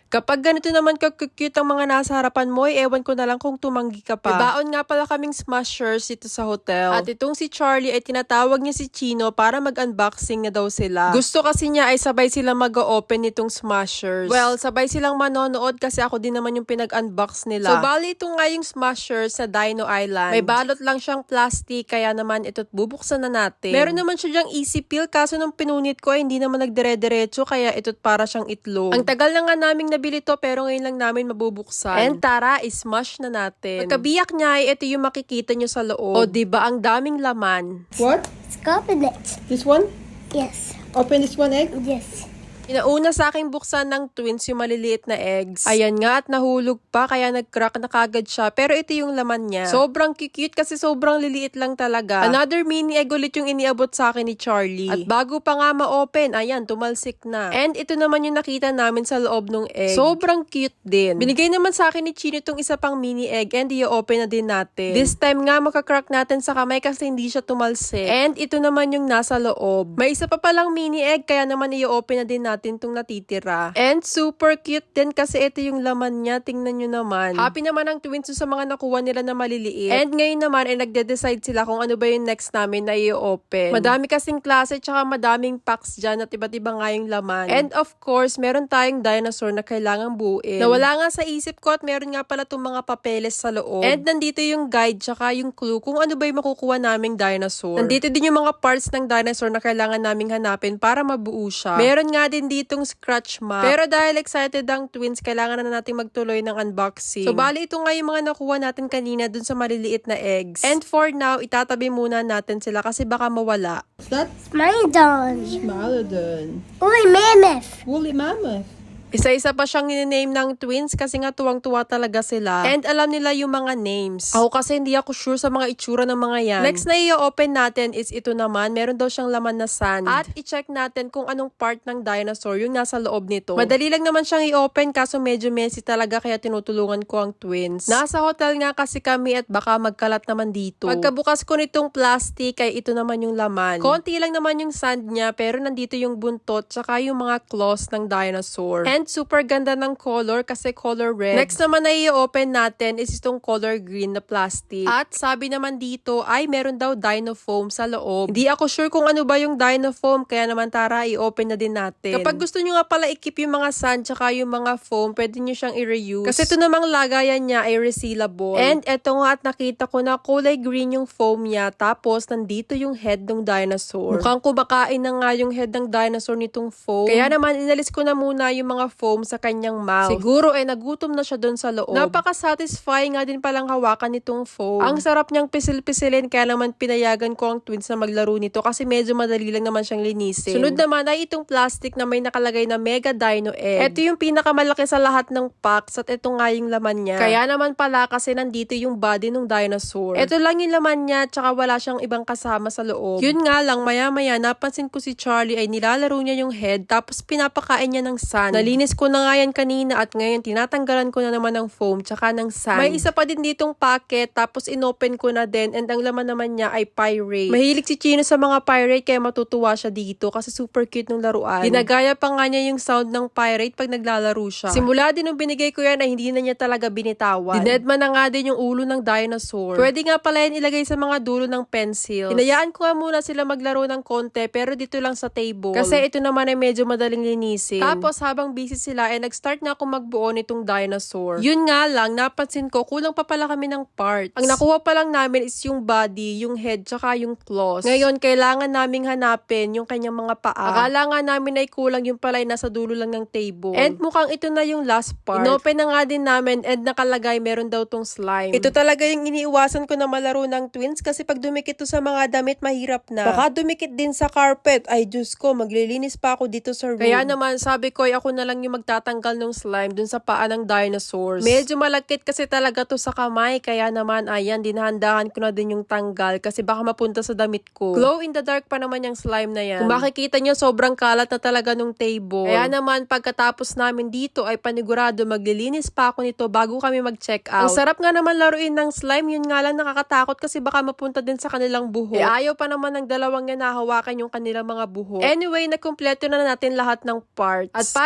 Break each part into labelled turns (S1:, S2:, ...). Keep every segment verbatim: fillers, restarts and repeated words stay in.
S1: Kapag ganito naman ka-cute ang mga nasa harapan mo, eh, ewan ko na lang kung tumanggi ka pa. Ibaon nga pala kaming smashers dito sa hotel. At itong si Charlie ay tinatawag niya si Chino para mag-unboxing na daw sila. Gusto kasi niya ay sabay sila mag-open nitong smashers. Well, sabay silang manonood kasi ako din naman yung pinag-unbox nila. So, bali ito nga yung smashers sa Dino Island. May balot lang siyang plastic, kaya naman ito't bubuksan na natin. Meron naman siya dyang easy peel, kaso nung pinunit ko ay hindi naman nagdire-diretso, kaya ito't para siyang itlog. Ang tagal na nga naming nabili to, pero ngayon lang namin mabubuksan. And tara, ismash na natin. Pagkabiyak niya ay ito yung makikita nyo sa loob. O diba, ang daming laman.
S2: What?
S3: Let's open it.
S2: This one?
S3: Yes.
S2: Open this one egg?
S3: Yes.
S1: Inauna sa aking buksan ng twins yung maliliit na eggs. Ayan nga, at nahulog pa, kaya nag-crack na kagad siya. Pero ito yung laman niya. Sobrang cute kasi sobrang liliit lang talaga. Another mini egg ulit yung iniabot sa akin ni Charlie. At bago pa nga ma-open, ayan, tumalsik na. And ito naman yung nakita namin sa loob ng egg. Sobrang cute din. Binigay naman sa akin ni Chino itong isa pang mini egg, and i-open na din natin. This time nga, makakrack natin sa kamay kasi hindi siya tumalsik. And ito naman yung nasa loob. May isa pa palang mini egg, kaya naman i-open na din natin itong natitira. And super cute din kasi ito yung laman niya. Tingnan nyo naman. Happy naman ang twins sa mga nakuha nila na maliliit. And ngayon naman ay nagde-decide sila kung ano ba yung next namin na i-open. Madami kasing klase tsaka madaming packs dyan at iba't iba nga yung laman. And of course, meron tayong dinosaur na kailangang buuin. Nawala nga sa isip ko at meron nga pala itong mga papeles sa loob. And nandito yung guide tsaka yung clue kung ano ba yung makukuha naming dinosaur. Nandito din yung mga parts ng dinosaur na kailangan naming hanapin para mabuo siya. Meron nga din ditong scratch map. Pero dahil excited ang twins, kailangan na natin magtuloy ng unboxing. So, bali ito nga yung mga nakuha natin kanina dun sa maliliit na eggs. And for now, itatabi muna natin sila kasi baka mawala.
S2: What's that?
S3: Smilodon.
S2: Smilodon.
S3: Uy, mammoth.
S2: Woolly mammoth.
S1: Isa-isa pa siyang nine-name ng twins kasi nga tuwang-tuwa talaga sila. And alam nila yung mga names. Ako kasi hindi ako sure sa mga itsura ng mga yan. Next na i-open natin is ito naman. Meron daw siyang laman na sand. At i-check natin kung anong part ng dinosaur yung nasa loob nito. Madali lang naman siyang i-open kaso medyo messy talaga kaya tinutulungan ko ang twins. Nasa hotel nga kasi kami at baka magkalat naman dito. Pagkabukas ko nitong plastic ay ito naman yung laman. Konti lang naman yung sand niya pero nandito yung buntot tsaka yung mga claws ng dinosaur. And super ganda ng color kasi color red. Next naman na i-open natin is itong color green na plastic. At sabi naman dito ay meron daw dino foam sa loob. Hindi ako sure kung ano ba yung dino foam kaya naman tara i-open na din natin. Kapag gusto nyo nga pala i-keep yung mga sand tsaka yung mga foam, pwede nyo siyang i-reuse. Kasi ito namang lagayan niya ay resealable. And eto nga at nakita ko na kulay green yung foam niya tapos nandito yung head ng dinosaur. Mukhang kumakain na nga yung head ng dinosaur nitong foam. Kaya naman inalis ko na muna yung mga foam sa kanyang mouth. Siguro eh nagutom na siya doon sa loob. Napaka-satisfying nga din palang hawakan nitong foam. Ang sarap niyang pisil-pisilin kaya naman pinayagan ko ang twins na maglaro nito kasi medyo madali lang naman siyang linisin. Sunod naman ay itong plastic na may nakalagay na Mega Dino Egg. Ito yung pinakamalaki sa lahat ng packs at ito nga yung laman niya. Kaya naman pala kasi nandito yung body ng dinosaur. Ito lang yung laman niya tsaka wala siyang ibang kasama sa loob. Yun nga lang maya-maya napansin ko si Charlie ay nilalaro niya yung head tapos pinapakain niya ng sand. Nalinis ko na nga yan kanina at ngayon tinatanggalan ko na naman ng foam tsaka ng sand. May isa pa din ditong packet tapos inopen ko na din and ang laman naman niya ay pirate. Mahilig si Chino sa mga pirate kaya matutuwa siya dito kasi super cute ng laruan. Ginagaya pa nga niya yung sound ng pirate pag naglalaro siya. Simula din nung binigay ko yan ay hindi na niya talaga binitawan. Dinedman na nga din yung ulo ng dinosaur. Pwede nga pala yan ilagay sa mga dulo ng pencils. Hinayaan ko nga muna sila maglaro ng konti pero dito lang sa table. Kasi ito naman ay medyo madaling linisin. Tapos habang busy sila ay nag-start na ako magbuo nitong dinosaur. Yun nga lang, napansin ko, kulang pa pala kami ng parts. Ang nakuha pa lang namin is yung body, yung head, tsaka yung claws. Ngayon, kailangan naming hanapin yung kanyang mga paa. Akala nga namin ay kulang yung pala ay nasa dulo lang ng table. And mukhang ito na yung last part. Inopen na nga din namin and nakalagay meron daw tong slime. Ito talaga yung iniiwasan ko na malaro ng twins kasi pag dumikit to sa mga damit, mahirap na. Baka dumikit din sa carpet. Ay, Diyos ko, maglilinis pa ako dito sa room. Kaya naman, sabi ko, ay ako na lang yung magtatanggal ng slime dun sa paa ng dinosaurs. Medyo malagkit kasi talaga to sa kamay, kaya naman ayan, dinahandahan ko na din yung tanggal kasi baka mapunta sa damit ko. Glow in the dark pa naman yung slime na yan. Kung makikita nyo, sobrang kalat na talaga nung table. Kaya naman, pagkatapos namin dito ay panigurado maglilinis pa ako nito bago kami mag-check out. Ang sarap nga naman laruin ng slime, yun nga lang nakakatakot kasi baka mapunta din sa kanilang buhok. E ayaw pa naman ng dalawang yan nahawakan yung kanilang mga buhok. Anyway, nakumpleto na natin lahat ng parts. At para hindi na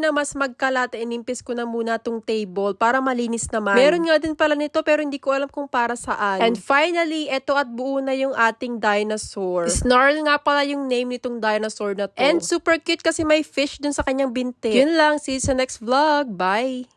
S1: na mas magkalat, inimpis ko na muna tong table para malinis naman. Meron nga din pala nito pero hindi ko alam kung para saan. And finally, eto at buo na yung ating dinosaur. Snarl nga pala yung name nitong dinosaur na to. And super cute kasi may fish dun sa kanyang binte. Yun lang, see you sa next vlog. Bye!